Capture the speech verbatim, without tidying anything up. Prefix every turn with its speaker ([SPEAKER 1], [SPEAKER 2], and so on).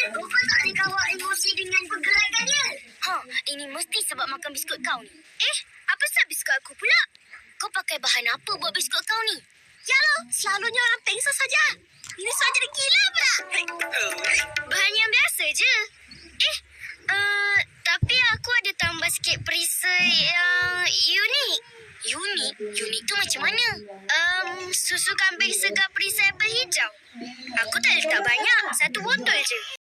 [SPEAKER 1] Rupa tak boleh kawal emosi dengan pergerakannya.
[SPEAKER 2] Ha, ini mesti sebab makan biskut kau ni. Eh, apa sebab biskut aku pula? Kau pakai bahan apa buat biskut kau ni?
[SPEAKER 1] Ya lo, selalunya orang pengsan saja. Ini soal jadi gila pula.
[SPEAKER 2] Bahan yang biasa je. Eh, uh, tapi aku ada tambah sikit perisai yang unik. Unik? Unik tu macam mana? Um, susu kambing segar perisai apel hijau. Aku tak letak banyak. Satu botol je.